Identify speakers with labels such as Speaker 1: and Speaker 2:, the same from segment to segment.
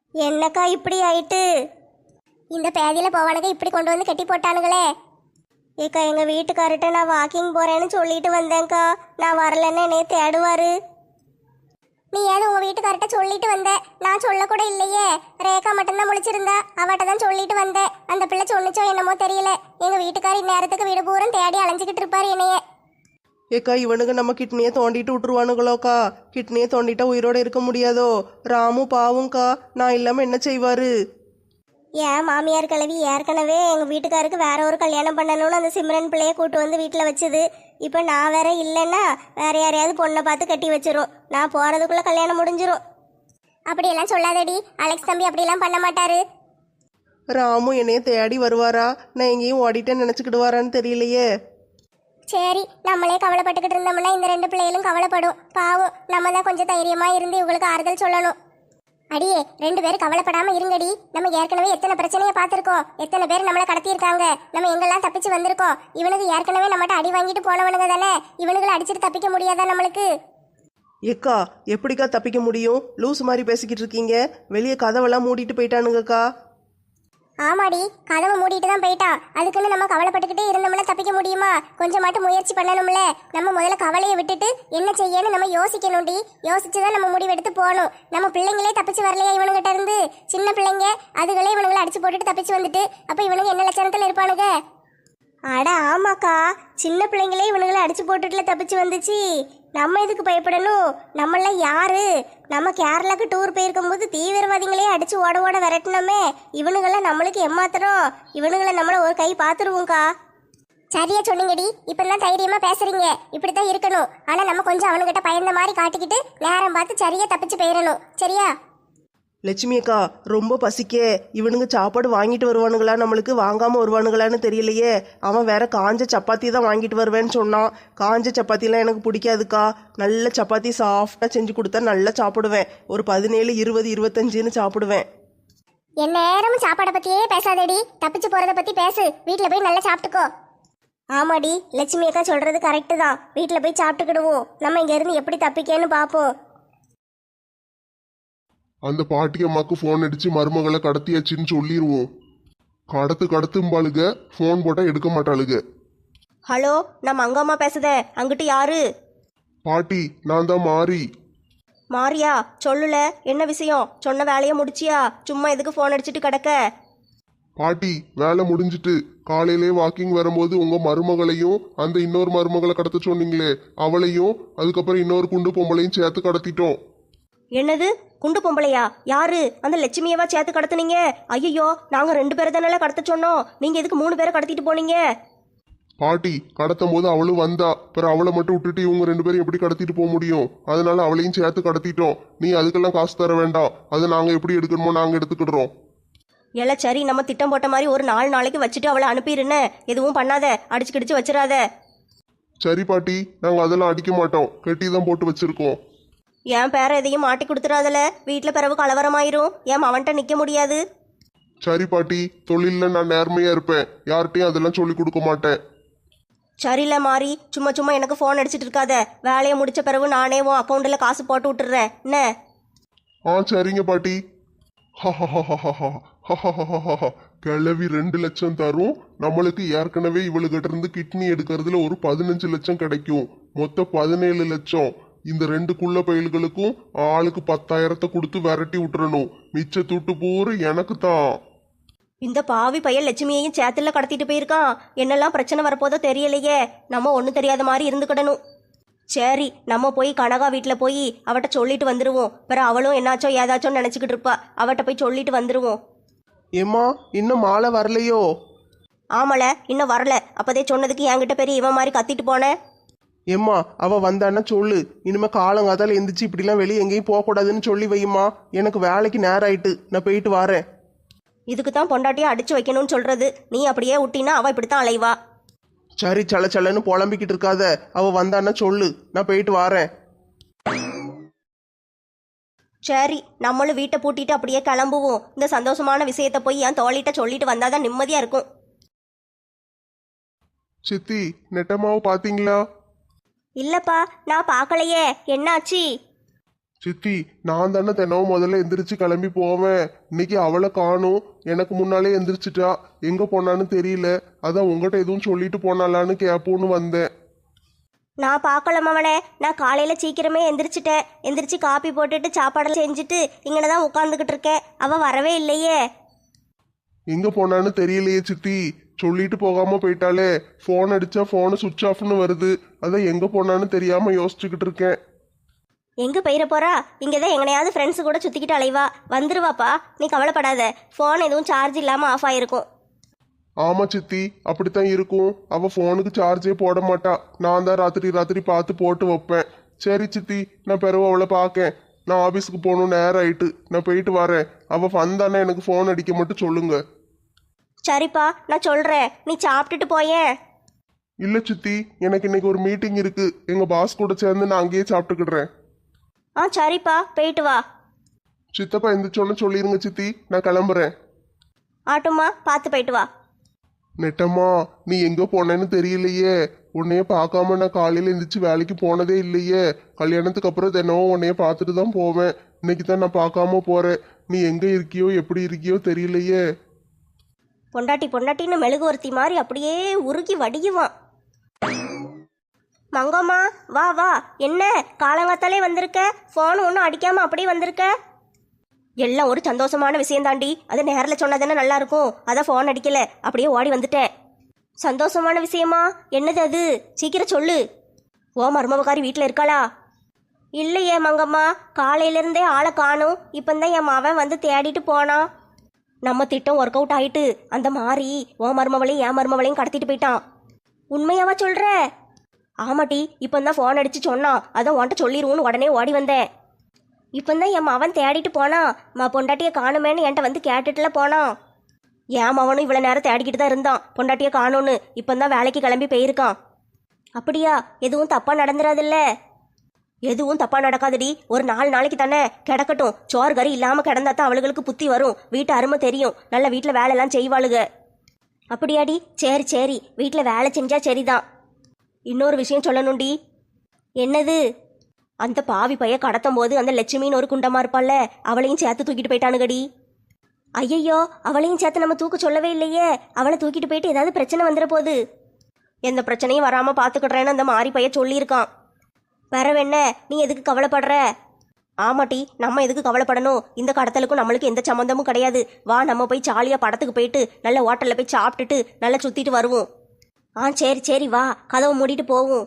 Speaker 1: என்னக்கா இப்படி ஆயிட்டு? இந்த பேதியில போவானுங்க இப்படி கொண்டு வந்து கட்டி போட்டானுங்களே. ஏக்கா எங்க வீட்டுக்கார்ட்ட நான் வாக்கிங் போறேன்னு சொல்லிட்டு வந்தேன்க்கா. நான் வரலன்னு என்னைய தேடுவாரு. நீ ஏது உங்க வீட்டுக்கார்ட்ட சொல்லிட்டு வந்த? நான் சொல்ல கூட இல்லையே. ரேகா மட்டும்தான் முழிச்சிருந்தா, அவட்ட தான் சொல்லிட்டு வந்தேன். அந்த பிள்ளை சொன்னிச்சோ என்னமோ தெரியல. எங்க வீட்டுக்கார் இந்நேரத்துக்கு வீடு பூரம் தேடி அலைஞ்சிக்கிட்டு இருப்பாரு என்னைய.
Speaker 2: ஏக்கா இவனுங்க நம்ம கிட்னியை தோண்டிட்டு விட்டுருவானுங்களோக்கா. கிட்னியை தோண்டிட்டா உயிரோட இருக்க முடியாதோ? ராமு பாவும்க்கா, நான் இல்லாம என்ன செய்வாரு?
Speaker 1: ஏன் மாமியார் கிழவி ஏற்கனவே எங்கள் வீட்டுக்காருக்கு வேற ஒரு கல்யாணம் பண்ணணும்னு அந்த சிம்ரன் பிள்ளைய கூட்டு வந்து வீட்டில் வச்சுது. இப்போ நான் வேற இல்லைன்னா வேற யாரையாவது பொண்ணை பார்த்து கட்டி வச்சிரும். நான் போகிறதுக்குள்ளே கல்யாணம் முடிஞ்சிரும். அப்படியெல்லாம் சொல்லாதடி. அலெக்ஸ் தம்பி அப்படியெல்லாம் பண்ண மாட்டாரு.
Speaker 2: ராமு என்னைய தேடி வருவாரா? நான் எங்கேயும் ஓடிட்டேன்னு நினச்சிக்கிடுவாரான்னு தெரியலையே.
Speaker 1: சரி, நம்மளே கவலைப்பட்டுக்கிட்டு இருந்தோம்னா இந்த ரெண்டு பிள்ளைகளும் கவலைப்படும். பாவம், நம்ம தான் கொஞ்சம் தைரியமாக இருந்து இவங்களுக்கு ஆறுதல் சொல்லணும். அடியே, ரெண்டு பேரும் கவலைப்படாம இருங்கடி. நம்ம ஏற்கனவே எத்தனை பிரச்சனையை பார்த்துருக்கோம். எத்தனை பேர் நம்மளை கடத்தியிருக்காங்க. நம்ம எங்கெல்லாம் தப்பிச்சு வந்திருக்கோம். இவனுக்கு ஏற்கனவே நம்மகிட்ட அடி வாங்கிட்டு போனவனுங்க தானே. இவனுங்களை அடிச்சுட்டு தப்பிக்க முடியாதா நம்மளுக்கு?
Speaker 2: ஏக்கா எப்படிக்கா தப்பிக்க முடியும்? லூஸ் மாதிரி பேசிக்கிட்டு இருக்கீங்க. வெளியே கதவெல்லாம் மூடிட்டு போயிட்டானுங்கக்கா.
Speaker 1: ஆமாடி, கதவை மூடிட்டு தான் போயிட்டான். அதுக்குன்னு நம்ம கவலைப்பட்டுக்கிட்டே இருந்தோம்னா தப்பிக்க முடியுமா? கொஞ்சமாட்டும் முயற்சி பண்ணணும்ல. நம்ம முதல்ல கவலையை விட்டுட்டு என்ன செய்யன்னு நம்ம யோசிக்கணும்டி. யோசிச்சுதான் நம்ம முடிவெடுத்து போகணும். நம்ம பிள்ளைங்களே தப்பிச்சு வரலையா இவனுங்கிட்ட இருந்து? சின்ன பிள்ளைங்க அதுகளே இவனுங்களை அடிச்சு போட்டுட்டு தப்பிச்சு வந்துட்டு அப்ப இவனுக்கு என்ன லட்சணத்துல இருப்பானுங்க? அட ஆமாக்கா, சின்ன பிள்ளைங்களே இவனுங்களை அடிச்சு போட்டுட்டுல தப்பிச்சு வந்துச்சு. நம்ம எதுக்கு பயப்படணும்? நம்மளாம் யாரு? நம்ம கேரளாக்கு டூர் போயிருக்கும்போது தீவிரவாதிகளே அடிச்சு ஓட ஓட விரட்டினோமே. இவனுங்கெல்லாம் நம்மளுக்கு ஏமாத்துறோம். இவனுங்களை நம்மள ஒரு கை பார்த்துருவோம்க்கா. சரியா சொன்னீங்கடி. இப்பெல்லாம் தைரியமா பேசுறீங்க. இப்படித்தான் இருக்கணும். ஆனா நம்ம கொஞ்சம் அவனுகிட்ட பயந்த மாதிரி காட்டிக்கிட்டு நேரம் பார்த்து சரியா தப்பிச்சு போயிடணும். சரியா?
Speaker 2: லட்சுமி அக்கா, ரொம்ப பசிக்கே. இவனுங்க சாப்பாடு வாங்கிட்டு வருவானுங்களா, நம்மளுக்கு வாங்காம வருவானுங்களான்னு தெரியலையே. அவன் வேற காஞ்ச சப்பாத்தி தான் வாங்கிட்டு வருவேன்னு சொன்னான். காஞ்ச சப்பாத்திலாம் எனக்கு பிடிக்காதுக்கா. நல்ல சப்பாத்தி சாஃப்டாக செஞ்சு கொடுத்தா நல்லா சாப்பிடுவேன். ஒரு 17, 20, 25ன்னு சாப்பிடுவேன்.
Speaker 1: என் நேரமும் சாப்பாடை பத்தியே பேசாதடி. தப்பிச்சு போறத பத்தி பேசு. வீட்டுல போய் நல்லா சாப்பிட்டுக்கோ. ஆமாடி, லட்சுமி அக்கா சொல்றது கரெக்டு தான். வீட்டுல போய் சாப்பிட்டுக்கிடுவோம். நம்ம இங்க இருந்து எப்படி தப்பிக்கேன்னு பாப்போம்.
Speaker 3: அந்த பாட்டி அம்மாக்கு ஃபோன் அடிச்சு மருமகளை கடத்தியாச்சுன்னு சொல்லிடுவோம். கடத்தும்பாளுக, ஃபோன் போட்டால் எடுக்க மாட்டாளுக.
Speaker 2: ஹலோ, நான் மங்கம்மா பேசுதேன். அங்கிட்டு யாரு?
Speaker 3: பாட்டி, நான் தான் மாறி.
Speaker 2: மாரியா, சொல்லுல, என்ன விஷயம்? சொன்ன வேலையை முடிச்சியா? சும்மா எதுக்கு ஃபோன் அடிச்சிட்டு கிடக்க?
Speaker 3: பாட்டி, வேலை முடிஞ்சிட்டு காலையிலே வாக்கிங் வரும்போது உங்க மருமகளையும் அந்த இன்னொரு மருமகளை கடத்த சொன்னீங்களே அவளையும் அதுக்கப்புறம் இன்னொரு குண்டு பொம்பளையும் சேர்த்து கடத்திட்டோம்.
Speaker 2: என்னது, குண்டு பொம்பளையா? யாரு? அந்த லட்சுமியவா சேர்த்து கடத்துனீங்க? ஐயோ, நாங்க 2 பேரை தானே கடத்த சொன்னோம். நீங்க எதுக்கு 3 பேரை கடத்திட்டு போனீங்க?
Speaker 3: பாட்டி, கடத்தும் போது அவளும் வந்தா. பிறகு அவளை மட்டும் விட்டுட்டு இவங்க 2 பேரும் எப்படி கடத்திட்டு போக முடியும்? அதனால அவளையும் சேர்த்து கடத்திட்டோம். நீ அதுக்கெல்லாம் காசு தர வேண்டாம். அதை நாங்க எப்படி எடுக்கணுமோ நாங்க எடுத்துக்கிடுறோம்.
Speaker 2: இல்ல, சரி, நம்ம திட்டம் போட்ட மாதிரி ஒரு 4 நாளைக்கு வச்சுட்டு அவளை அனுப்பிடுன்னு. எதுவும் பண்ணாத, அடிச்சு கிடிச்சு வச்சிடாத.
Speaker 3: சரி பாட்டி, நாங்க அதெல்லாம் அடிக்க மாட்டோம். கெட்டி தான் போட்டு வச்சிருக்கோம்.
Speaker 2: என் பேர எதையும் மாட்டி கொடுத்துடாதல. வீட்டுல பிறகு கலவரமாயிரும். ஏன் அவன்கிட்ட நிக்க முடியாது?
Speaker 3: சரி பாட்டி, தொழிலில் நான் நேர்மையா இருப்பேன். யார்கிட்டையும் அதெல்லாம் சொல்லி கொடுக்க மாட்டேன்.
Speaker 2: சரியில்ல மாறி, சும்மா சும்மா எனக்கு ஃபோன் அடிச்சிட்டு இருக்காத. வேலையை முடிச்ச பிறகு நானே உன் அக்கௌண்ட்டில் காசு போட்டு விட்டுறேன். என்ன?
Speaker 3: சரிங்க பாட்டி. கிளவி 2 லட்சம் தரும். நம்மளுக்கு ஏற்கனவே இவளுகிட்ட இருந்து கிட்னி எடுக்கிறதுல ஒரு 15 லட்சம் கிடைக்கும். மொத்தம் 17 லட்சம். இந்த 2 குள்ள பயல்களுக்கும் ஆளுக்கு 10,000 கொடுத்து விரட்டி விட்டுறணும். மிச்ச துட்டு பூரா எனக்கு தான்.
Speaker 2: இந்த பாவி பையன் லட்சுமியையும் சேத்துல கடத்திட்டு போயிருக்கான். என்னெல்லாம் பிரச்சனை வரப்போதோ தெரியலையே. நம்ம ஒன்றும் தெரியாத மாதிரி இருந்துக்கிடணும். சரி, நம்ம போய் கனகா வீட்டில் போய் அவட்ட சொல்லிட்டு வந்துடுவோம். பிற அவளும் என்னாச்சோ ஏதாச்சோன்னு நினச்சிக்கிட்டு இருப்பா. அவட்ட போய் சொல்லிட்டு வந்துடுவோம்.
Speaker 4: ஏம்மா, இன்னும் மாலை வரலையோ?
Speaker 2: ஆமல, இன்னும் வரல. அப்போதே சொன்னதுக்கு என்கிட்ட பெரிய இவன் மாதிரி கத்திட்டு போனேன்.
Speaker 4: ஏம்மா, அவ வந்தான்னா சொல்லு. இனிமே காலங்காத்தால எந்திரிச்சு இப்படிலாம் வெளியே எங்கேயும் போகக்கூடாதுன்னு சொல்லி வையுமா. எனக்கு வேலைக்கு நேரம் ஆயிட்டு, நான் போயிட்டு வரேன்.
Speaker 2: இதுக்கு தான் பொண்டாட்டியை அடிச்சு வைக்கணும்னு சொல்றது. நீ அப்படியே விட்டினா அவ இப்படித்தான் அலைவா.
Speaker 4: சரி, சலன்னு புலம்பிக்கிட்டு இருக்காத. அவ வந்தான்னா சொல்லு, நான் போயிட்டு வரேன்.
Speaker 2: சரி, நம்மளும் வீட்டை பூட்டிட்டு அப்படியே கிளம்புவோம். இந்த சந்தோஷமான விஷயத்த போய் என் தோழிட்ட சொல்லிட்டு வந்தாதான் நிம்மதியா இருக்கும்.
Speaker 3: சித்தி, நெட்டமாவை பாத்தீங்களா?
Speaker 2: இல்லப்பா, நான் பார்க்கலையே. என்னாச்சு?
Speaker 3: சித்தி நான் தானே தினமும் முதல்ல எந்திரிச்சு கிளம்பி போவேன். இன்னைக்கு அவளை காணும். எனக்கு முன்னாலே எந்திரிச்சிட்டா. எங்க போனான்னு தெரியல. அதான் உங்ககிட்ட எதுவும் சொல்லிட்டு போனாலான்னு கேப்போன்னு வந்தேன்.
Speaker 5: நான் பார்க்கல மவனே. நான் காலையில் சீக்கிரமே எந்திரிச்சிட்டேன். எந்திரிச்சு காப்பி போட்டுட்டு சாப்பாடெல்லாம் செஞ்சுட்டு இங்கே தான் உட்காந்துக்கிட்டு இருக்கேன். அவள் வரவே இல்லையே.
Speaker 3: எங்க போனான்னு தெரியலையே சித்தி. சொல்லிட்டு போகாம போயிட்டாலே. ஃபோன் அடிச்சா ஃபோனு சுவிட்ச் ஆஃப்னு வருது. அதான் எங்க போனான்னு தெரியாம யோசிச்சுக்கிட்டு இருக்கேன்.
Speaker 5: எங்கே போயிட போறா? இங்கே தான் எங்கனையாவது ஃப்ரெண்ட்ஸு கூட சுற்றிக்கிட்டு அலைவா. வந்துருவாப்பா, நீ கவலைப்படாத. ஃபோன் எதுவும் சார்ஜ் இல்லாமல் ஆஃப் ஆகிருக்கும்.
Speaker 3: ஆமா சித்தி, அப்படித்தான் இருக்கும். அவ ஃபோனுக்கு சார்ஜே போட மாட்டா. நான் தான் ராத்திரி ராத்திரி பார்த்து போட்டு வைப்பேன். சரி சித்தி, நான் பிறகு அவளை பார்க்கேன். நான் ஆபீஸுக்கு போகணும், நேரம் ஆயிட்டு. நான் போயிட்டு வரேன். அவ வந்தானே எனக்கு ஃபோன் அடிக்க மட்டும் சொல்லுங்க.
Speaker 5: சரிப்பா, நான் சொல்கிறேன். நீ சாப்பிட்டுட்டு போயேன்.
Speaker 3: இல்ல சித்தி, எனக்கு இன்னைக்கு ஒரு மீட்டிங் இருக்கு. எங்க பாஸ் கூட சேர்ந்து நான் அங்கேயே சாப்பிட்டுக்கிடுறேன்.
Speaker 5: ஆ சரிப்பா, போயிட்டு வா.
Speaker 3: சித்தப்பா எந்திரிச்சோன்னு சொல்லிருங்க சித்தி, நான் கிளம்புறேன்.
Speaker 5: ஆட்டுமா, பார்த்து போயிட்டு வா.
Speaker 3: நெட்டம்மா, நீ எங்க போனேன்னு தெரியலையே. உன்னைய பார்க்காம நான் காலையில எந்திரிச்சு வேலைக்கு போனதே இல்லையே. கல்யாணத்துக்கு அப்புறம் தினமும் உன்னைய பார்த்துட்டு தான் போவேன். இன்னைக்கு தான் நான் பார்க்காம போறேன். நீ எங்க இருக்கியோ எப்படி இருக்கியோ தெரியலையே.
Speaker 5: பொண்டாட்டின்னு மெழுகுவர்த்தி மாதிரி அப்படியே உருகி வடியுவான். மங்கம்மா, வா வா. என்ன காலங்காத்தாலே வந்திருக்க? ஃபோன் ஒன்றும் அடிக்காம அப்படியே வந்திருக்க? எல்லாம் ஒரு சந்தோஷமான விஷயம் தாண்டி. அது நேரில் சொன்னா தானே நல்லா இருக்கும். அதான் ஃபோன் அடிக்கல, அப்படியே ஓடி வந்துட்டேன். சந்தோஷமான விஷயமா? என்னது அது? சீக்கிரம் சொல்லு. ஓ மருமவக்காரி வீட்டில் இருக்காளா? இல்லையே மங்கம்மா, காலையிலேருந்தே ஆளை காணும். இப்போந்தான் என் மவன் வந்து தேடிட்டு போனான். நம்ம திட்டம் ஒர்க் அவுட் ஆயிட்டு அந்த மாதிரி ஓ மருமவளையும் என் மருமவளையும் கடத்திட்டு போயிட்டான். உண்மையாவா சொல்ற? ஆமாட்டி, இப்போந்தான் ஃபோன் அடிச்சு சொன்னான். அதான் உன்கிட்ட சொல்லிடுவோன்னு உடனே ஓடி வந்தேன். இப்போந்தான் என் மவன் தேடிட்டு போனான். பொண்டாட்டியை காணுமேன்னு என்கிட்ட வந்து கேட்டுட்டுல போனான். என் மவனும் இவ்வளோ நேரம் தேடிக்கிட்டு தான் இருந்தான் பொண்டாட்டியை காணும்னு. இப்போந்தான் வேலைக்கு கிளம்பி போயிருக்கான். அப்படியா? எதுவும் தப்பா நடந்துடாதுல்ல? எதுவும் தப்பா நடக்காதுடி. ஒரு 4 நாளைக்கு தானே கிடக்கட்டும். சோறு கறி இல்லாமல் கிடந்தா தான் அவளுகளுக்கு புத்தி வரும். வீட்டு அருமை தெரியும். நல்ல வீட்டில் வேலையெல்லாம் செய்வாளுக. அப்படியாடி? சரி சரி, வீட்டில் வேலை செஞ்சா சரிதான். இன்னொரு விஷயம் சொல்லணும்டி. என்னது? அந்த பாவி பைய கடத்தும் போது அந்த லட்சுமின்னு ஒரு குண்டமா இருப்பாள்ல, அவளையும் சேர்த்து தூக்கிட்டு போயிட்டானுங்கடி. ஐயையோ, அவளையும் சேர்த்து நம்ம தூக்க சொல்லவே இல்லையே. அவளை தூக்கிட்டு போயிட்டு ஏதாவது பிரச்சனை வந்துட போகுது. எந்த பிரச்சனையும் வராம பாத்துக்கிடுறேன்னு அந்த மாறி பைய சொல்லியிருக்கான். வேறவென்ன, நீ எதுக்கு கவலைப்படுற? ஆமாட்டி, நம்ம எதுக்கு கவலைப்படணும்? இந்த கடத்தலுக்கும் நம்மளுக்கு எந்த சம்மந்தமும் கிடையாது. வா, நம்ம போய் ஜாலியாக படத்துக்கு போயிட்டு நல்ல ஹோட்டலில் போய் சாப்பிட்டுட்டு நல்லா சுற்றிட்டு வருவோம். ஆ சரி சரி, வா, கதவை மூடிட்டு போவோம்.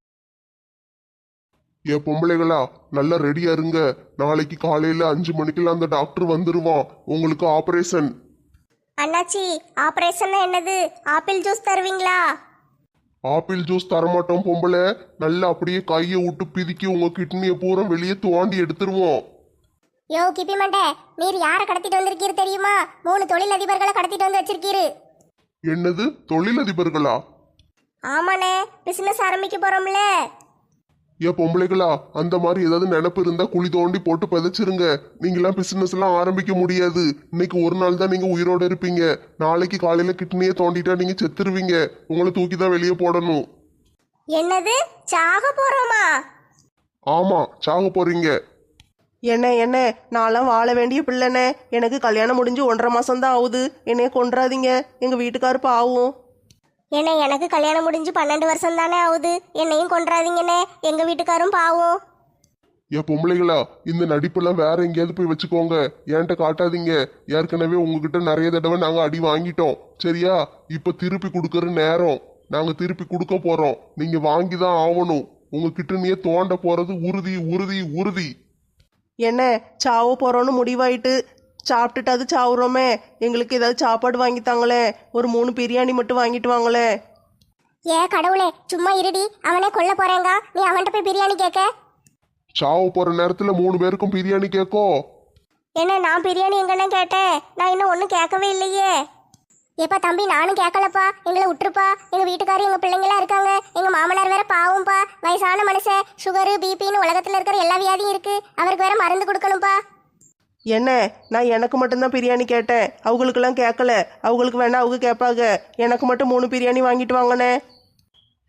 Speaker 3: ஏ பொம்பளைகளா, நல்லா ரெடியா இருங்க. நாளைக்கு காலையில 5 மணிக்கெல்லாம் அந்த டாக்டர் வந்துருவான். உங்களுக்கு ஆபரேஷன்.
Speaker 1: அண்ணாச்சி, ஆபரேஷன் என்னது? ஆப்பிள் ஜூஸ் தருவீங்களா?
Speaker 3: ஆப்பிள் ஜூஸ் தரமாட்டோம் பொம்பளை. நல்லா அப்படியே கையை விட்டு பிதுக்கி உங்க கிட்னியை பூரா வெளியே தோண்டி எடுத்துருவோம்.
Speaker 1: யோ கிப்பி மண்டே, நீர் யாரை கடத்திட்டு வந்திருக்கீரு தெரியுமா? 3 தொழிலதிபர்களை கடத்திட்டு வந்து வச்சிருக்கீரு.
Speaker 3: என்னது, தொழிலதிபர்களா?
Speaker 1: ஆமாண்ணே, பிசினஸ் ஆரம்பிக்க போறோம்ல.
Speaker 3: ஏன் பொம்பளைகளா, அந்த மாதிரி ஏதாவது நினைப்பு இருந்தா குழி தோண்டி போட்டு புதைச்சிருங்க. நீங்களாம் பிசினஸ் எல்லாம் ஆரம்பிக்க முடியாது. இன்னைக்கு ஒரு நாள் தான் நீங்க உயிரோட இருப்பீங்க. நாளைக்கு காலையில கிட்னியை தோண்டிட்டா நீங்க செத்துருவீங்க. உங்களை தூக்கி தான் வெளியே போடணும்.
Speaker 1: என்னது, சாக போறோமா?
Speaker 3: ஆமா, சாக போறீங்க.
Speaker 2: என்ன நான்லாம் வாழ வேண்டிய பிள்ளைனே. எனக்கு கல்யாணம் முடிஞ்சு 1.5 மாசம்தான் ஆகுது. என்னைய கொன்றாதீங்க. எங்க வீட்டுக்காரு பாவம்.
Speaker 1: என்ன, எனக்கு கல்யாணம் முடிஞ்சு 12 வருஷம் தானே ஆகுது. என்னையும் கொன்றாதீங்கண்ணே, எங்க வீட்டுக்காரும் பாவம்.
Speaker 3: ஏன் பொம்பளைகளா, இந்த நடிப்பெல்லாம் வேற எங்கேயாவது போய் வச்சுக்கோங்க. என்கிட்ட காட்டாதீங்க. ஏற்கனவே உங்ககிட்ட நிறைய தடவை நாங்க அடி வாங்கிட்டோம். சரியா? இப்ப திருப்பி கொடுக்கற நேரம். நாங்க திருப்பி கொடுக்க போறோம். நீங்க வாங்கிதான் ஆகணும். உங்க கிட்டனியே தோண்ட போறது உறுதி உறுதி உறுதி.
Speaker 2: என்ன, சாவ போறோன்னு முடிவாயிட்டு சாப்பிட்டுட்டு அது சாவுறோமே. எங்களுக்கு ஏதாவது சாப்பாடு வாங்கித்தாங்களே. ஒரு 3 பிரியாணி மட்டும் வாங்கிட்டு வாங்களே.
Speaker 1: ஏ கடவுளே, சும்மா இருடி. அவனே கொல்ல போறேங்க, நீ அவன்கிட்ட போய் பிரியாணி கேட்க?
Speaker 3: சாவ போற நேரத்துல 3 பேருக்கும் பிரியாணி கேட்கும்.
Speaker 1: என்ன, நான் பிரியாணி எங்கன்னு கேட்டேன்? நான் இன்னும் ஒன்றும் கேட்கவே இல்லையே. ஏப்பா தம்பி, நானும் கேட்கலப்பா. எங்களை விட்டுருப்பா. எங்க வீட்டுக்காரர் எங்க பிள்ளைங்களாம் இருக்காங்க. எங்க மாமனார் வேற பாவம்ப்பா. வயசான மனுஷன். சுகரு பிபின்னு உலகத்துல இருக்கிற எல்லா வியாதியும் இருக்கு. அவருக்கு வேற மருந்து கொடுக்கணும்ப்பா.
Speaker 2: என்ன, நான் எனக்கு மட்டும்தான் பிரியாணி கேட்டேன். அவங்களுக்கெல்லாம் கேட்கல. அவங்களுக்கு வேணா அவங்க கேட்பாங்க. எனக்கு மட்டும் 3 பிரியாணி வாங்கிட்டு வாங்கண்ணே.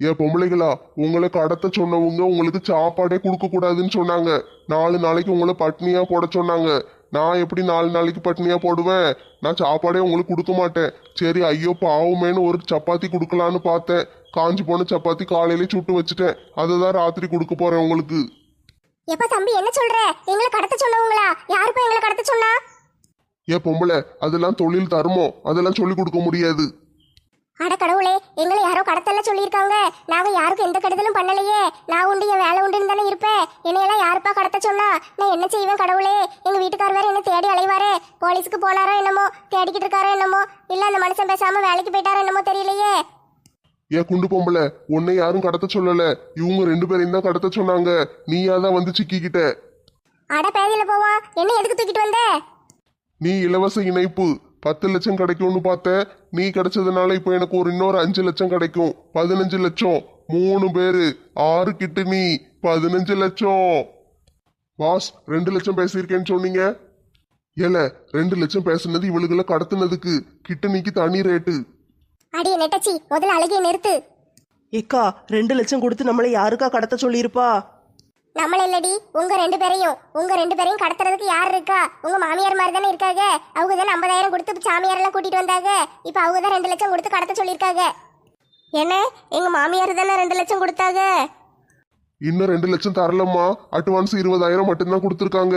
Speaker 3: ஏன் பொம்பளைகளா, உங்களை கடத்த சொன்னவங்க உங்களுக்கு சாப்பாடே கொடுக்க கூடாதுன்னு சொன்னாங்க. 4 நாளைக்கு உங்களை பட்னியா போட சொன்னாங்க. நான் எப்படி 4 நாளைக்கு பட்னியா போடுவேன்? நான் சாப்பாடே உங்களுக்கு கொடுக்க மாட்டேன். சரி ஐயோ பாவமேன்னு ஒரு சப்பாத்தி கொடுக்கலான்னு பார்த்தேன். காஞ்சி போன சப்பாத்தி காலையிலே சுட்டு வச்சுட்டேன். அதை தான் ராத்திரி கொடுக்க போறேன் உங்களுக்கு.
Speaker 1: எப்ப தம்பி என்ன சொல்ற? எங்களை கடத்த சொன்னவங்களா? யாருப்பா எங்களை கடத்த சொன்னா?
Speaker 3: ஏன் பொம்பளை, அதெல்லாம் தொழில் தர்மம், அதெல்லாம் சொல்லி கொடுக்க முடியாது.
Speaker 1: அட கடவுளே, எங்களை யாரோ கடத்தல சொல்லியிருக்காங்க. நாங்க யாருக்கும் எந்த கெடுதலும் பண்ணலையே. நான் உண்டு என் வேலை உண்டுன்னு தானே இருப்பேன். என்னையெல்லாம் யாருப்பா கடத்த சொன்னா? நான் என்ன செய்வேன் கடவுளே? எங்க வீட்டுக்கார் வேற என்ன தேடி அலைவாரே. போலீஸுக்கு போனாரோ என்னமோ, தேடிக்கிட்டு இருக்காரோ என்னமோ, இல்ல அந்த மனுஷன் பேசாம வேலைக்கு போயிட்டாரோ என்னமோ தெரியலையே.
Speaker 3: ஏன் குண்டு பொம்பளை, உன்னை யாரும் கடத்த சொல்லல. இவங்க 2 பேரையும் தான் கடத்த சொன்னாங்க. நீயாதான் வந்து சிக்கிக்கிட்ட.
Speaker 1: அட பேதியில போவா, என்ன எதுக்கு தூக்கிட்டு வந்த?
Speaker 3: நீ இலவச இணைப்பு 10 லட்சம் கிடைக்கும்னு பார்த்த. நீ கிடைச்சதுனால இப்போ எனக்கு இன்னொரு 5 லட்சம் கிடைக்கும். 15 லட்சம். 3 பேரு 6 கிட்டு நீ 15 லட்சம். பாஸ் 2 லட்சம் பேசியிருக்கேன்னு சொன்னீங்க. ஏல 2 லட்சம் பேசுனது இவளுகளை கடத்துனதுக்கு. கிட்ட நீக்கு தனி ரேட்டு.
Speaker 1: அடியே நெட்டச்சி, முதல்ல அழுகையை நிறுத்து.
Speaker 2: ஏக்கா 2 லட்சம் கொடுத்து நம்மளை யாருக்கா கடத்த சொல்லியிருப்பா?
Speaker 1: நம்மள இல்லடி, உங்க 2 பேரையும். உங்க 2 பேரையும் கடத்துறதுக்கு யார் இருக்கா? உங்க மாமியார் மாதிரி தானே இருக்காங்க. அவங்க தானே 50,000 கொடுத்து சாமியார் எல்லாம் கூட்டிட்டு வந்தாங்க. இப்ப அவங்க தான் 2 லட்சம் கொடுத்து கடத்த சொல்லியிருக்காங்க.
Speaker 5: என்ன எங்க மாமியார் தானே 2 லட்சம் கொடுத்தாங்க?
Speaker 3: இன்னும் 2 லட்சம் தரலம்மா. அட்வான்ஸ் 20,000 மட்டும்தான் கொடுத்துருக்காங்க.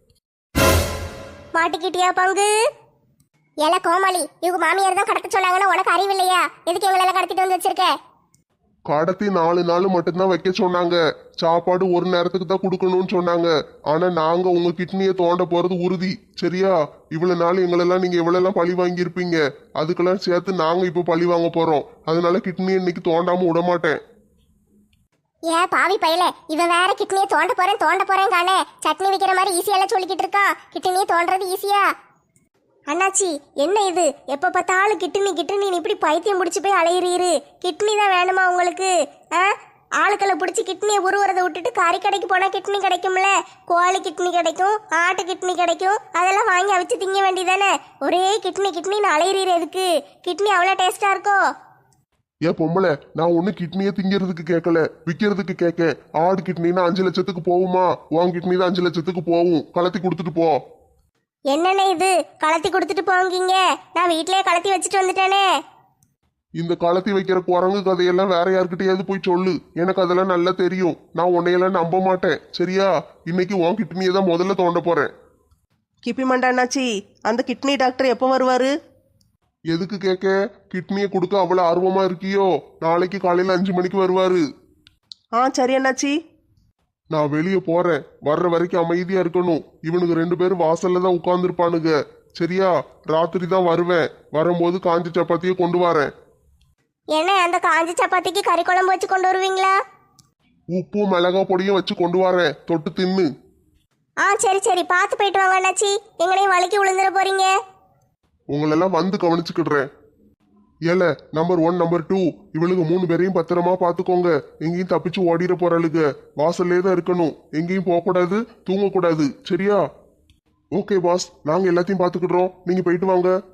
Speaker 5: மாட்டிக்கிட்டியா பங்கு?
Speaker 1: ஏல கோமாளி, இவங்க மாமியார் தான் கடத்த சொன்னாங்கன்னா உனக்கு அறிவு இல்லையா? எதுக்கு எங்களெல்லாம் கடத்திட்டு வந்து வச்சிருக்க?
Speaker 3: கடத்தி 4 நாள் மட்டும்தான் வைக்க சொன்னாங்க. சாப்பாடு 1 நேரத்துக்கு தான் கொடுக்கணும்னு சொன்னாங்க. ஆனா நாங்க உங்க கிட்னியை தோண்ட போறது உறுதி. சரியா? இவ்வளவு நாள் எங்களெல்லாம் நீங்க எவ்வளவு பழி வாங்கியிருப்பீங்க. அதுக்கெல்லாம் சேர்த்து நாங்க இப்ப பழி வாங்க போறோம். அதனால கிட்னியை இன்னைக்கு தோண்டாம விட மாட்டேன்.
Speaker 1: ஏன் பாவி பயல, இவன் வேற கிட்னியை தோண்ட போறேன் காணே. சட்னி வைக்கிற மாதிரி ஈஸியெல்லாம் சொல்லிக்கிட்டு இருக்கான். கிட்னியை தோண்டறது ஈஸியா?
Speaker 5: அண்ணாச்சி என்ன இது? எப்ப பார்த்தாலும் கிட்னி இப்படி பைத்தியம் பிடிச்சி போய் அலையிறீரு. கிட்னி தான் வேணுமா உங்களுக்கு? ஆளுக்களை பிடிச்சி கிட்னியை உருவுறதை விட்டுட்டு கறி கடைக்கு போனா கிட்னி கிடைக்கும்ல. கோழி கிட்னி கிடைக்கும், ஆட்டு கிட்னி கிடைக்கும். அதெல்லாம் வாங்கி அவிச்சு திங்க வேண்டியதானே. ஒரே கிட்னின்னு அலையிறீரு. எதுக்கு? கிட்னி அவ்வளோ டேஸ்டா இருக்கும்.
Speaker 3: ஏன் பொம்பளை, நான் ஒண்ணு கிட்னியை திங்கிறதுக்கு கேட்கல, விற்கிறதுக்கு கேட்க. ஆடு கிட்னினா 5 லட்சத்துக்கு போகுமா? உன் கிட்னி தான் 5 லட்சத்துக்கு போகும். கலத்தி கொடுத்துட்டு போ.
Speaker 5: என்னென்ன இது? கலத்தி கொடுத்துட்டு போங்கீங்க. நான் வீட்லயே கலத்தி வச்சுட்டு வந்துட்டேனே.
Speaker 3: இந்த கலத்தி வைக்கிற குரங்கு கதையெல்லாம் வேற யாருக்கிட்டையாவது போய் சொல்லு. எனக்கு அதெல்லாம் நல்லா தெரியும். நான் உன்னையெல்லாம் நம்ப மாட்டேன். சரியா? இன்னைக்கு உன் கிட்னியை தான் முதல்ல தோண்ட போறேன்.
Speaker 2: கிப்பி மண்டாண்ணாச்சி, அந்த கிட்னி டாக்டர் எப்போ வருவாரு?
Speaker 3: எதுக்கு கேட்க? கிட்னியை கொடுக்க அவ்வளவு ஆர்வமா இருக்கியோ? நாளைக்கு காலையில 5 மணிக்கு வருவாரு.
Speaker 2: சரி அண்ணாச்சி.
Speaker 3: நான் வெளியே போறேன். வர்ற வரைக்கும் அமைதியா இருக்கணும். இவனுக்கு 2 பேரும் வாசல்ல தான் உட்கார்ந்துருப்பானுங்க. சரியா? ராத்திரி தான் வருவேன். வரும்போது காஞ்ச சப்பாத்தியை கொண்டு வரேன்.
Speaker 5: என்ன அந்த காஞ்சி சப்பாத்திக்கு கறி குழம்பு வச்சு கொண்டு வருவீங்களா?
Speaker 3: உப்பு மிளகா பொடியும் வச்சு கொண்டு வரேன். தொட்டு தின்னு.
Speaker 5: சரி பார்த்து போயிட்டு வாங்க அண்ணாச்சி. எங்களையும் வலிக்கு விழுந்துட போறீங்க.
Speaker 3: உங்களெல்லாம் வந்து கவனிச்சுக்கிடுறேன். ஏல நம்பர் 1 நம்பர் 2 இவளுக்கு 3 பேரையும் பத்திரமா பாத்துக்கோங்க. எங்கேயும் தப்பிச்சு ஓடிட போறாளுங்க. வாசல்லே தான் இருக்கணும். எங்கேயும் போகக்கூடாது, தூங்கக்கூடாது. சரியா? ஓகே பாஸ், நாங்க எல்லாத்தையும் பாத்துக்கிடுறோம். நீங்க போயிட்டு வாங்க.